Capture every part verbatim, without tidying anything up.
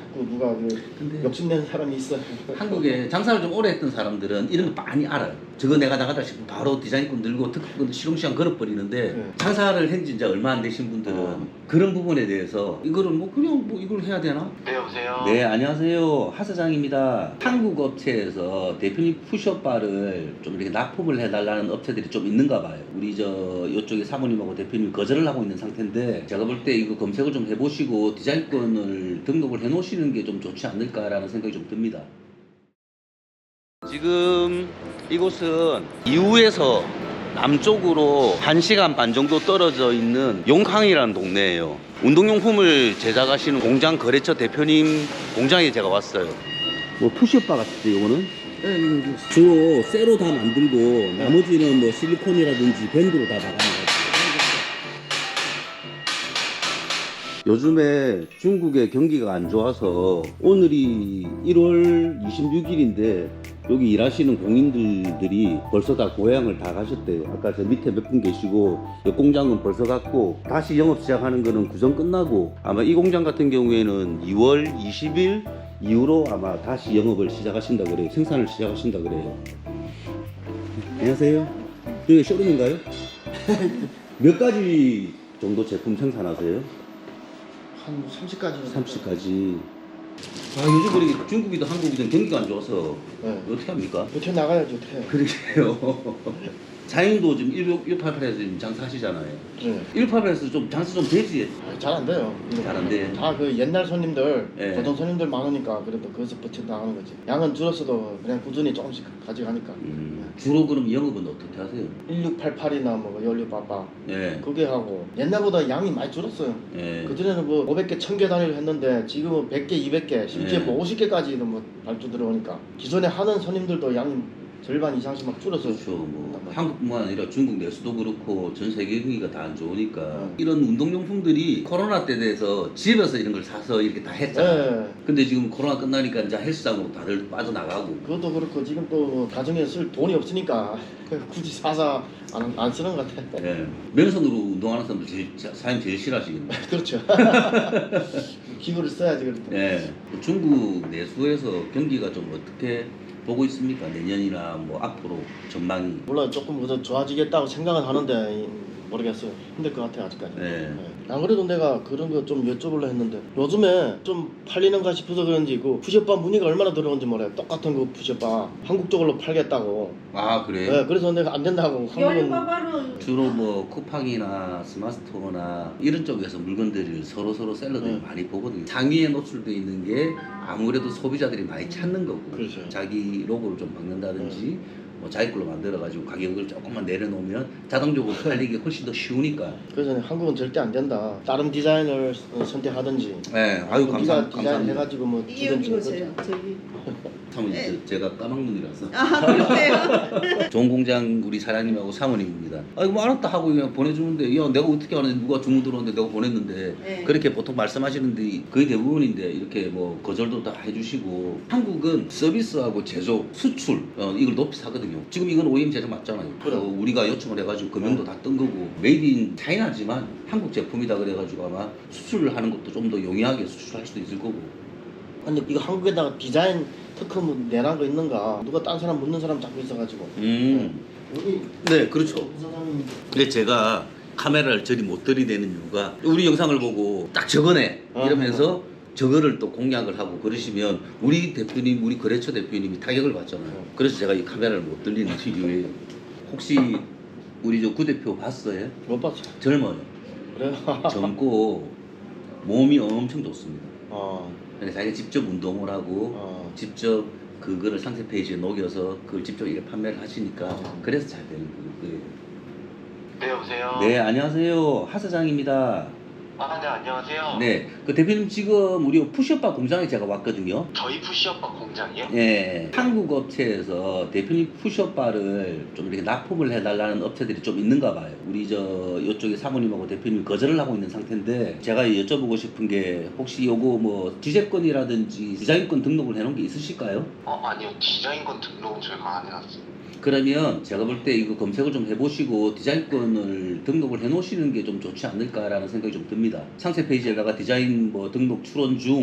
자꾸 누가 그 근데 욕심내는 사람이 있어요. 한국에 장사를 좀 오래 했던 사람들은 이런 거 많이 알아요. 저거 내가 나가다 싶으면 바로 디자인권 들고 특허권 시롱시장 걸어버리는데 네. 장사를 한 지 이제 얼마 안 되신 분들은 어. 그런 부분에 대해서 이거를 뭐 그냥 뭐 이걸 해야 되나? 네, 여보세요? 네, 안녕하세요. 하 사장입니다. 한국 업체에서 대표님 푸시업바를 좀 이렇게 납품을 해달라는 업체들이 좀 있는가 봐요. 우리 저 이쪽에 사모님하고 대표님 거절을 하고 있는 상태인데 제가 볼 때 이거 검색을 좀 해보시고 디자인권을 등록을 해놓으시는 게 좀 좋지 않을까라는 생각이 좀 듭니다. 지금 이곳은 이후에서 남쪽으로 한 시간 반 정도 떨어져 있는 용항이라는 동네예요. 운동용품을 제작하시는 공장 거래처 대표님 공장에 제가 왔어요. 뭐 푸시업바 같은데 이거는? 네, 주로 쇠로 다 만들고 나머지는 뭐 실리콘이라든지 밴드로 다 박아놔가지고. 요즘에 중국의 경기가 안 좋아서 오늘이 일월 이십육일인데 여기 일하시는 공인들이 벌써 다 고향을 다 가셨대요. 아까 저 밑에 몇 분 계시고 옆 공장은 벌써 갔고 다시 영업 시작하는 거는 구정 끝나고 아마 이 공장 같은 경우에는 이월 이십일 이후로 아마 다시 영업을 시작하신다 그래요. 생산을 시작하신다 그래요. 안녕하세요. 여기 쇼룸인가요? 몇 가지 정도 제품 생산하세요? 한 삼십 가지. 삼십 가지. 아, 요즘 그렇게 중국이든 한국이든 경기가 안 좋아서 네. 어떻게 합니까? 어떻게 나가야지 어떻게. 그러게요. 자인도 지금 일팔팔에서 지금 장사하시잖아요. 네. 일팔팔에서 좀 장사 좀 되지? 잘 안 돼요. 잘 안 돼. 다 그 옛날 손님들, 네. 고정 손님들 많으니까 그래도 거기서 버텨 나가는 거지. 양은 줄었어도 그냥 꾸준히 조금씩 가져가니까. 음, 주로 그럼 영업은 어떻게 하세요? 일육팔팔이나 뭐 열육팔팔 네. 그게 하고 옛날보다 양이 많이 줄었어요. 네. 그전에는 뭐 오백 개, 천 개 단위로 했는데 지금은 백 개, 이백 개, 심지어 네. 뭐 오십 개까지도 뭐 발주 들어오니까 기존에 하는 손님들도 양 절반 이상씩 막 줄었어요. 그렇죠. 뭐 한국뿐만 아니라 중국 내수도 그렇고 전 세계 경기가 다 안 좋으니까 음. 이런 운동용품들이 코로나 때 돼서 집에서 이런 걸 사서 이렇게 다 했잖아요. 네. 근데 지금 코로나 끝나니까 이제 헬스장으로 다들 빠져나가고. 그것도 그렇고 지금 또 가정에 쓸 돈이 없으니까 굳이 사서 안, 안 쓰는 것 같아. 예. 맨손으로 운동하는 사람들 제일, 사장님 제일 싫어하시겠네. 그렇죠. 기구를 써야지 그럴 때. 예. 중국 내수에서 경기가 좀 어떻게 보고 있습니까? 내년이나 뭐 앞으로 전망이. 물론 조금 더 좋아지겠다고 생각은 하는데 모르겠어요. 힘들 것 같아요 아직까지. 네. 네. 안 그래도 내가 그런 거 좀 여쭤보려 했는데 요즘에 좀 팔리는가 싶어서 그런지 그 푸시업바 문의가 얼마나 들어온지 몰라요. 똑같은 그 푸시업바 한국 쪽으로 팔겠다고. 아, 그래요? 네, 그래서 내가 안 된다고. 한국은 열바바로 주로 뭐 쿠팡이나 스마트스토어나 이런 쪽에서 물건들을 서로 서로 셀러들이 네. 많이 보거든요. 상위에 노출되어 있는 게 아무래도 소비자들이 많이 찾는 거고, 그렇죠. 자기 로고를 좀 박는다든지 뭐 자기 걸로 만들어가지고 가격을 조금만 내려놓으면 자동적으로 팔리기 훨씬 더 쉬우니까. 그래서 한국은 절대 안 된다. 다른 디자인을 선택하든지. 네, 아유 네가 감사, 디자인 감사합니다. 해가지고 뭐 여기 주든지. 보세요. 저기. 사모님, 저- 제가 까막눈이라서. 아 그러세요? 좋은 공장 우리 사장님하고 사모님입니다. 아 이거 뭐 알았다 하고 그냥 보내주는데 야 내가 어떻게 하는데 누가 주문 들어오는데 내가 보냈는데 네. 그렇게 보통 말씀하시는데 거의 대부분인데 이렇게 뭐 거절도 다 해주시고. 한국은 서비스하고 제조, 수출 어, 이걸 높이 사거든요. 지금 이건 오이엠 제작 맞잖아요. 그래. 어, 우리가 요청을 해가지고 금융도 다 뜬 거고 메이드 인 차이나지만 한국 제품이다 그래가지고 아마 수출을 하는 것도 좀 더 용이하게 수출할 수도 있을 거고. 아니 이거 한국에다가 디자인 특허 뭐 내란 거 있는가? 누가 딴 사람 묻는 사람 자꾸 있어가지고. 음. 여기 네, 그렇죠. 사장님. 근데 제가 카메라를 저리 못 들이대는 이유가 우리 영상을 보고 딱 저거네 이러면서 저거를 또 공략을 하고 그러시면 우리 대표님, 우리 거래처 대표님이 타격을 받잖아요. 그래서 제가 이 카메라를 못 들리는 이유예요. 혹시 우리 저 구 대표 봤어요? 못 봤어. 젊어요. 그래요? 젊고 몸이 엄청 좋습니다. 어. 그래서 자기가 직접 운동을 하고 어. 직접 그거를 상세 페이지에 녹여서 그걸 직접 이렇게 판매를 하시니까 어. 그래서 잘 되는 거예요. 네, 여보세요? 네, 안녕하세요. 하 사장입니다. 아, 네, 안녕하세요. 네, 그 대표님 지금 우리 푸시업바 공장에 제가 왔거든요. 저희 푸시업바 공장이요? 예, 한국 업체에서 대표님 푸시업바를 좀 이렇게 납품을 해달라는 업체들이 좀 있는가 봐요. 우리 저 이쪽에 사모님하고 대표님 거절을 하고 있는 상태인데 제가 여쭤보고 싶은 게 혹시 요거 뭐 지재권이라든지 디자인권 등록을 해놓은 게 있으실까요? 어, 아니요. 디자인권 등록은 저희가 안 해놨어요. 그러면 제가 볼 때 이거 검색을 좀 해보시고 디자인권을 등록을 해놓으시는 게 좀 좋지 않을까라는 생각이 좀 듭니다. 상세 페이지에다가 디자인 뭐 등록 출원 중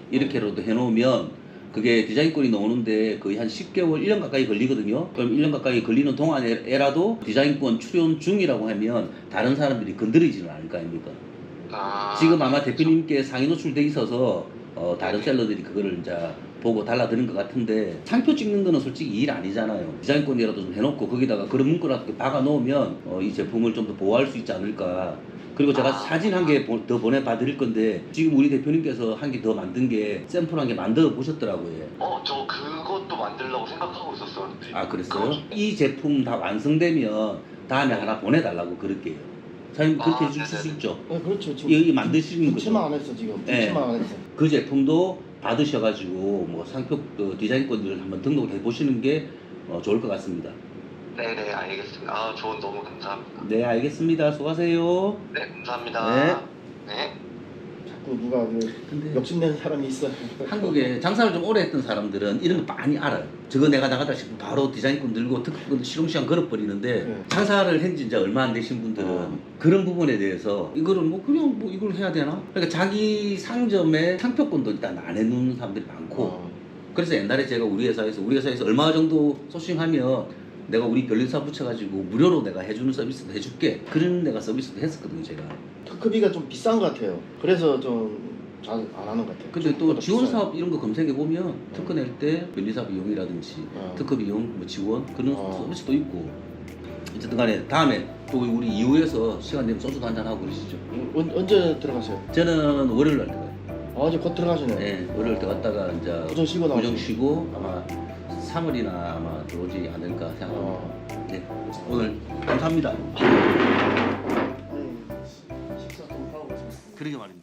이렇게라도 해놓으면 그게 디자인권이 나오는데 거의 한 십 개월, 일 년 가까이 걸리거든요. 그럼 일 년 가까이 걸리는 동안에라도 디자인권 출연 중이라고 하면 다른 사람들이 건드리지는 않을 거 아닙니까? 아, 지금 아마 대표님께 상위 노출돼 있어서 어, 다른 셀러들이 그거를 이제 보고 달라드는 것 같은데 상표 찍는 거는 솔직히 일 아니잖아요. 디자인권이라도 좀 해놓고 거기다가 그런 문구라도 박아 놓으면 어, 이 제품을 좀 더 보호할 수 있지 않을까. 그리고 제가 사진 한 개 더 보내봐 드릴 건데 지금 우리 대표님께서 한 개 더 만든 게 샘플 한 개 만들어 보셨더라고요. 어, 저 그것도 만들려고 생각하고 있었었는데. 아 그랬어요? 이 제품 다 완성되면 다음에 하나 보내달라고 그럴게요. 사장님 그렇게 아, 해주실 수 네네네. 있죠? 네, 그렇죠. 지금 이거 만드시는 붙이만 거죠? 안 했어 지금. 네. 붙이만 안 했어. 그 제품도 받으셔가지고 뭐 상표 그 디자인권들을 한번 등록을 해보시는 게 어, 좋을 것 같습니다. 네네, 알겠습니다. 아, 조언 너무 감사합니다. 네 알겠습니다. 수고하세요. 네, 감사합니다. 네. 자꾸 누가 그 근데 욕심내는 사람이 있어요. 한국에 장사를 좀 오래 했던 사람들은 이런 거 많이 알아요. 저거 내가 나가다 싶으면 바로 디자인권 들고 특허권 시롱시장 걸어버리는데 네. 장사를 한 지 이제 얼마 안 되신 분들은 어. 그런 부분에 대해서 이거를 뭐 그냥 뭐 이걸 해야 되나? 그러니까 자기 상점에 상표권도 일단 안 해놓는 사람들이 많고 어. 그래서 옛날에 제가 우리 회사에서 우리 회사에서 얼마 정도 소싱하면 내가 우리 변리사 붙여가지고 무료로 내가 해주는 서비스도 해줄게 그런 내가 서비스도 했었거든요 제가. 특허비가 좀 비싼 것 같아요. 그래서 좀 잘 안 하는 것 같아요. 근데 또 생각보다 지원 비싸요. 사업 이런 거 검색해 보면 특허 낼 때 변리사 비용이라든지 어. 특허 비용 뭐 지원 그런 어. 서비스도 있고 어쨌든 간에 다음에 또 우리 이후에서 시간 되면 소주도 한잔 하고 그러시죠. 언, 언제 들어가세요? 저는 월요일 날 들어가요. 아 이제 곧 들어가시네. 네, 월요일 때 갔다가 이제 구정 쉬고 나오죠. 구정 쉬고 아마 삼월이나 아마 들어오지 않을까 생각합니다. 어. 네, 오늘 감사합니다. 아니, 식사 좀 하고. 그러게 말입니다.